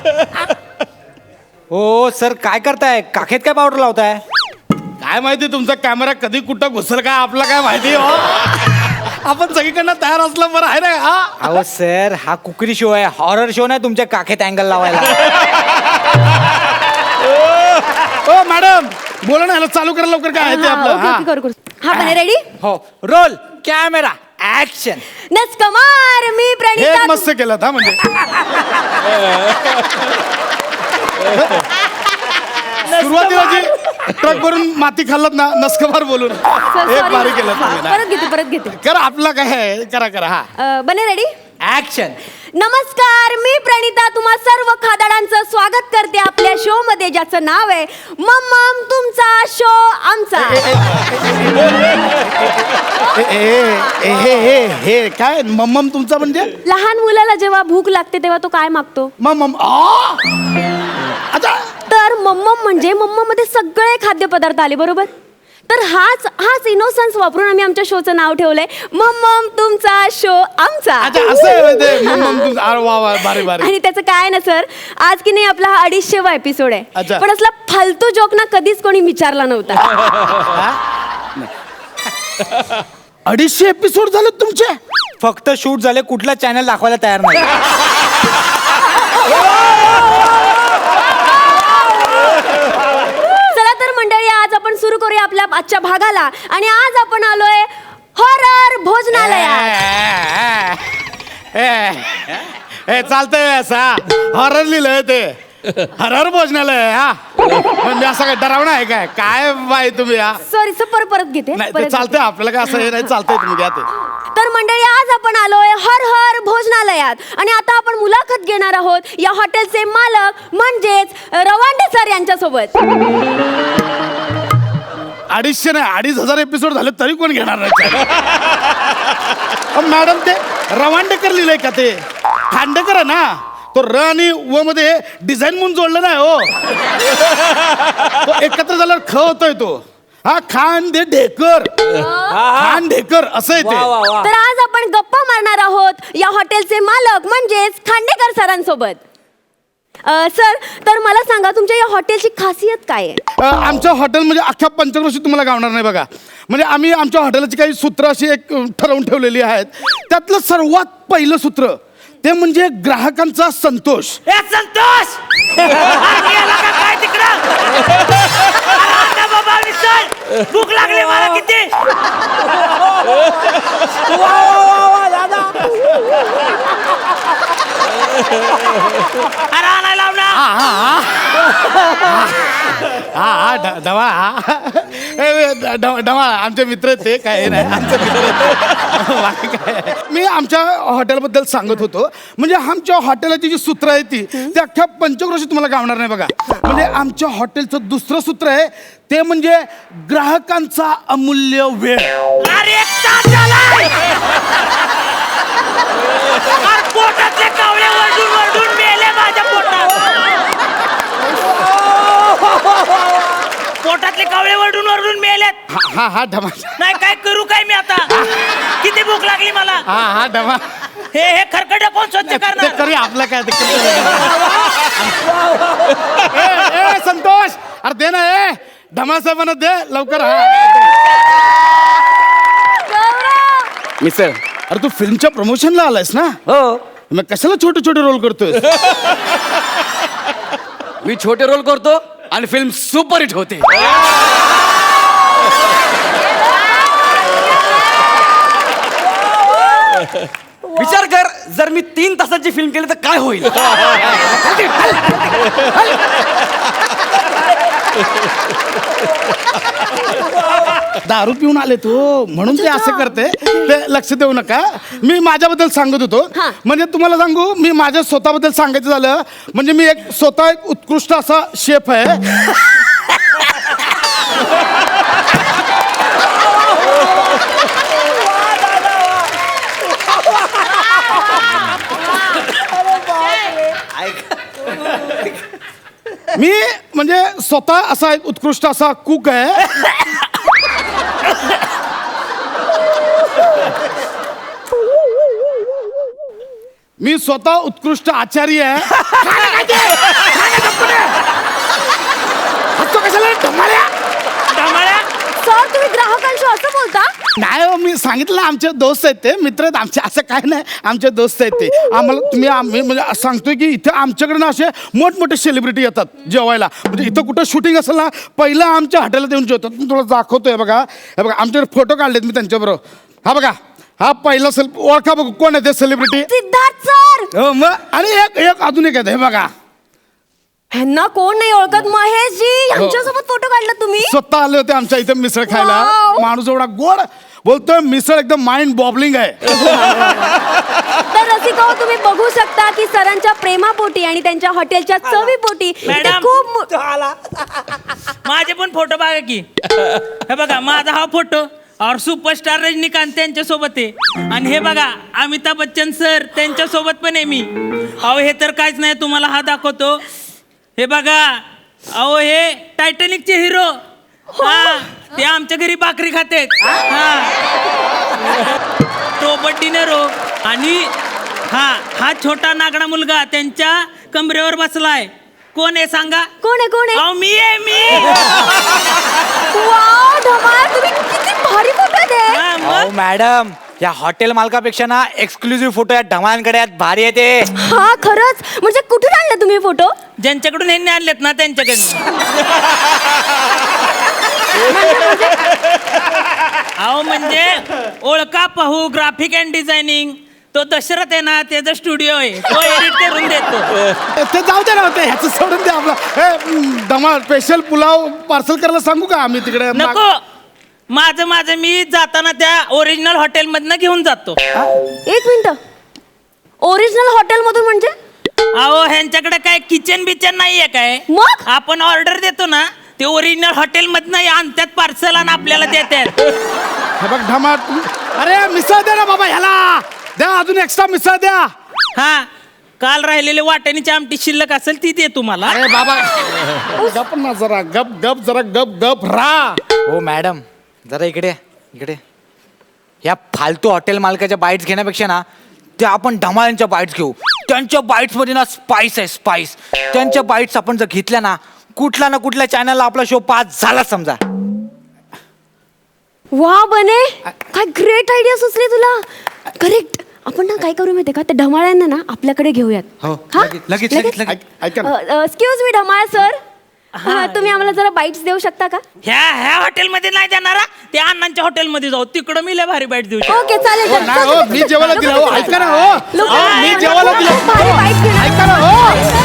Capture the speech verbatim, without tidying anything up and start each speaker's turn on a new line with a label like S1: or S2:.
S1: हो सर, काय करताय? काखेत काय पावडर लावताय?
S2: काय माहिती तुमचा कॅमेरा कधी कुठं घुसल काय आपला काय माहिती हो. आपण सगळीकडनं तयार असलं बरं आहे ना. हा
S1: अहो सर, हा कुकरी शो आहे, हॉरर शो नाही तुमच्या काखेत अँगल लावायला.
S2: ओ मॅडम बोला ना, ह्याला चालू करा लवकर. काय आहे ते आपलं.
S3: ओके
S2: हा.
S3: ओके करू करू हा बने रेडी.
S1: हो, रोल कॅमेरा ऍक्शन.
S3: नमस्कार, मी
S2: हे
S3: प्रणिता.
S2: एक मस्त केलं हा. म्हणजे सुरुवातीला जी ट्रक भरून माती खाल्लात ना, नस्कबार बोलून
S3: Sorry.
S2: एक भारी केलं तुम्ही ना.
S3: परत घेते परत घेते
S2: करा आपला काय आहे, करा करा. हा
S3: अ, बने रेडी.
S1: ऍक्शन.
S3: नमस्कार, मी प्रणिता तुम्हा सर्व खादाडांचं स्वागत करते आपल्या शो मध्ये, ज्याचं नाव आहे मम्मम तुमचा शो आमचा.
S2: ए, ए, हे हे हे काय मम्मम तुमचा म्हणजे?
S3: लहान मुलाला जेव्हा भूक लागते तेव्हा तो काय मागतो?
S2: मम्मम. आ! अच्छा.
S3: तर मम्मम म्हणजे मम्मम मध्ये सगळे खाद्यपदार्थ आले, बरोबर? तर हाच हाच इनोसन्स वापरून आम्ही आमच्या शोचं नाव ठेवलंय मम्मम तुमचा शो आमचा.
S2: अच्छा असं आहे ते मम्मम तुमचा. अरे वा वा, भारी भारी.
S3: आणि त्याचं काय ना सर, आज की नाही आपला हा अडीचशेवा एपिसोड आहे,
S2: अच्छा.
S3: पण असला फालतू जोक ना कधीच कोणी विचारला नव्हता.
S2: अडीचशे एपिसोड झाले तुमचे?
S1: फक्त शूट झाले, कुठला चॅनल दाखवायला तयार नाही.
S3: चला तर मंडळी, आज आपण सुरू करूया आपल्या आजच्या भागाला. आणि आज आपण आलोय हॉरर भोजनालयात.
S2: हे चालतंय असा हॉरर लिहिलंय ते हॉरर भोजनालय. हा म्हणजे असं काय डरावणं आहे काय? काय बाई तुम्ही. हा
S3: सॉरी सर, परत परत घेते
S2: नाही ते
S3: परत
S2: चालतंय आपल्याला काय असं हे नाही. चालतंय तुम्ही घ्या ते.
S3: तर मंडळी, आज आपण आलोय हर हर भोजनालयात. आणि आता आपण मुलाखत घेणार आहोत या हॉटेलचे मालक म्हणजेच रवांडे सर यांच्यासोबत.
S2: अडीचशे नाही, अडीच हजार एपिसोड झाले तरी कोण घेणार नाही. मॅडम ते रवांडेकर लिहिलंय का? ते खांडेकर आहे ना. तो र आणि व मध्ये डिझाईन म्हणून जोडलं नाही हो. तो एकत्र झाल्यावर ख होतोय तो. हा खांडेकर, खांडेकर असं आहे ते.
S3: तर आज आपण गप्पा मारणार आहोत या हॉटेलचे मालक म्हणजेच खांडेकर सरांसोबत. अ, सर, तर मला सांगा तुमच्या या हॉटेलची खासियत काय आहे?
S2: अ, आमच्या हॉटेल म्हणजे अख्ख्या पंचक्रोशीत तुम्हाला गावणार नाही बघा. म्हणजे आम्ही आमच्या हॉटेलची काही सूत्र अशी एक अ, ठरवून ठेवलेली आहेत. त्यातलं सर्वात पहिलं सूत्र ते म्हणजे ग्राहकांचा संतोष.
S4: संतोष काय तिकडं बाबा विसर, भूक लागली मला किती. अरे आणायला लाव ना.
S2: हा हा ढ- ढवा हा ए, ढ- ढ- ढवा आमचे मित्र आहेत ते, काय हे नाही आमचे मित्र आहेत. बाकी काय. मी आमच्या हॉटेलबद्दल सांगत होतो. म्हणजे आमच्या हॉटेलाची जी सूत्र आहे ती ते अख्ख्या पंचक्रोशीत तुम्हाला गावणार नाही बघा. म्हणजे आमच्या हॉटेलचं दुसरं सूत्र आहे ते म्हणजे ग्राहकांचा अमूल्य वेळ.
S4: अरे एक तास झालाय. अरे पोटातले कावळे वरडून वरडून मेले माझ्या पोटात. पोटातले कावळे वरडून वरडून मेलेत.
S2: हा हा हा ढमा.
S4: नाही काय करू काय मी आता. किती भूक लागली मला.
S2: हा हा ढमा.
S4: हे हे खरकट कोण स्वच्छ
S2: ते
S4: करणार.
S2: करूया आपलं काय ते करूया. ए, ए, संतोष अरे दे ना. ए ढमा साहेबांना दे लवकर. हा मिसळ, अरे तू फिल्मच्या प्रमोशनला आलायस ना?
S5: हो,
S2: मग कशाला छोटे छोटे रोल करतोय?
S5: मी छोटे रोल करतो आणि फिल्म सुपर हिट होते. विचार कर, जर मी तीन तासाची फिल्म केली तर काय होईल.
S2: दारू पिऊन आले तू म्हणून ते असं करते. ते लक्ष देऊ नका. मी माझ्याबद्दल सांगत होतो.
S3: हा.
S2: म्हणजे तुम्हाला सांगू, मी माझ्या स्वतःबद्दल सांगायचं झालं म्हणजे मी एक स्वतः एक उत्कृष्ट असा शेफ आहे. मी म्हणजे स्वतः असा एक उत्कृष्ट असा कुक आहे. मी स्वतः उत्कृष्ट आचार्य आहे खा ना काय ते? खा ना गप्पने. हसतो कशाला ढमाल्या?
S4: धमाळ्या
S3: सर तुम्ही ग्राहकांशी असं बोलता
S2: नाही हो, मी सांगितलं ना, आमचे दोस्त आहेत ते मित्र आहेत आमचे, असं काय नाही, आमचे दोस्त आहेत ते. आम्हाला तुम्ही आम्ही म्हणजे सांगतोय की इथे आमच्याकडे ना असे मोठमोठे सेलिब्रिटी येतात जेवायला. म्हणजे इथं कुठं शूटिंग असेल ना पहिलं आमच्या हॉटेलात येऊन जेवतात. मी तुला दाखवतोय बघा, हे बघा आमच्याकडे फोटो काढलेत मी त्यांच्याबरोबर. हा बघा हा पहिला सेल ओळखा बघू कोण आहे ते सेलिब्रिटी.
S3: सिद्धार्थ सर
S2: हो मग. आणि एक एक अजून एक आहे हे बघा,
S3: ह्यांना कोण नाही ओळखत महेशजी यांच्यासोबत फोटो काढला तुम्ही
S2: स्वतः आले होते आमच्या इथे मिसळ खायला.
S3: Wow.
S2: माणूस एवढा गोड बोलतोय, मिसळ एकदम माइंड बॉबलिंग आहे.
S3: तर रसिका हो, तुम्ही बघू शकता की सरांच्या प्रेमापोटी आणि त्यांच्या हॉटेलच्या चवीपोटी इथे
S4: मॅडम.
S3: खूप मो-
S4: माझे पण फोटो बघा की हे बघा माझा हा फोटो और सुपरस्टार रजनीकांत त्यांच्या सोबत आहे आणि हे बघा अमिताभ बच्चन सर त्यांच्या सोबत पण आहे मी. अहो हे तर काहीच नाही, तुम्हाला हा दाखवतो. हे बघा अहो हे टायटॅनिकचे हिरो हा ते आमच्या घरी भाकरी खातेत. हा रोबर्ट डिनेरो आणि हा हा छोटा नागडा मुलगा त्यांच्या कमरेवर बसलाय. कोण आहे सांगा?
S3: कोण आहे कोण आहे
S4: अहो मी आहे मी.
S3: वाव धमाल तुम्ही किती भारी फोटो दे
S4: हा,
S1: अहो
S4: मग
S1: मॅडम या हॉटेल मालकापेक्षा ना एक्सक्लुझिव्ह फोटो या ढमाळांकडे आहेत, भारी आहे ते.
S3: हा खरंच म्हणजे कुठून आणले तुम्ही फोटो
S4: ज्यांच्याकडून ह्यांनी आणलेत ना त्यांच्याकडे. अहो म्हणजे ओळखा पाहू ग्राफिक अँड डिझायनिंग तो दशरथ आहे ना त्याचा स्टुडिओ आहे, तो एडिट करून देतो.
S2: ते जाऊ दे ना होते ह्याचं सोडून दे आपला. हे दमा स्पेशल पुलाव पार्सल करायला सांगू का आम्ही तिकडे?
S4: नको माझं माझं मी जाताना त्या ओरिजिनल हॉटेल मधनं घेऊन जातो.
S3: एक मिनिट ओरिजिनल हॉटेल मधून म्हणजे
S4: अहो ह्यांच्याकडे काय किचन बिचन नाहीये काय?
S3: मग?
S4: आपण ऑर्डर देतो ना ते ओरिजिनल हॉटेल मधनं आणतात पार्सल आणि आपल्याला देतात.
S2: हे बघ ढमा, अरे मिसळ दे ना बाबा ह्याला, द्या अजून एक्स्ट्रा मिसळ द्या.
S4: हा काल राहिलेले वाटणीची आमटी शिल्लक असेल ती दे तुम्हाला.
S2: अरे बाबा गप ना जरा, गप गप जरा गप गप राहा.
S1: हो मॅडम जरा इकडे इकडे. या फालतू हॉटेल मालकाच्या बाईट्स घेण्यापेक्षा ना त्या आपण ढमाळांच्या बाईट्स घेऊ. त्यांच्या बाईट्स मध्ये ना स्पाइस आहे स्पाइस. त्यांच्या बाईट्स आपण जर घेतल्या ना कुठल्या ना कुठल्या चॅनलला आपला शो पास झाला समजा.
S3: वा बने काय ग्रेट आयडिया सुचली तुला. करेक्ट आपण ना काय करू माहितीये का त्या ढमाळ्यांना ना आपल्याकडे घेऊयात.
S1: हो,
S3: हा?
S1: लगेच, लगेच, लगेच, लगेच.
S2: ऐक- ऐका ना.
S3: एक्सक्यूज मी ढमाळ सर तुम्ही आम्हाला जरा बाईट्स देऊ शकता का?
S4: ह्या ह्या हॉटेलमध्ये नाही जाणारा त्या अण्णांच्या हॉटेलमध्ये जाऊ, तिकडं मी लय भारी बाईट देऊ शकतो.
S3: ओके चालेल
S2: हो,
S3: चल,
S2: नाही
S3: चल,
S2: हो,
S3: चल,
S2: मी
S3: चल,
S2: जेवायला
S3: चल,
S2: दिलं
S3: चल,
S2: हो,
S3: चल,
S2: ऐका ना
S3: चल.
S2: हो.
S3: लोकं
S2: हो, मी
S3: खूप
S2: जेवायला दिलं
S3: भारी
S2: हो.
S3: bite घेणार.
S2: ऐका ना हो.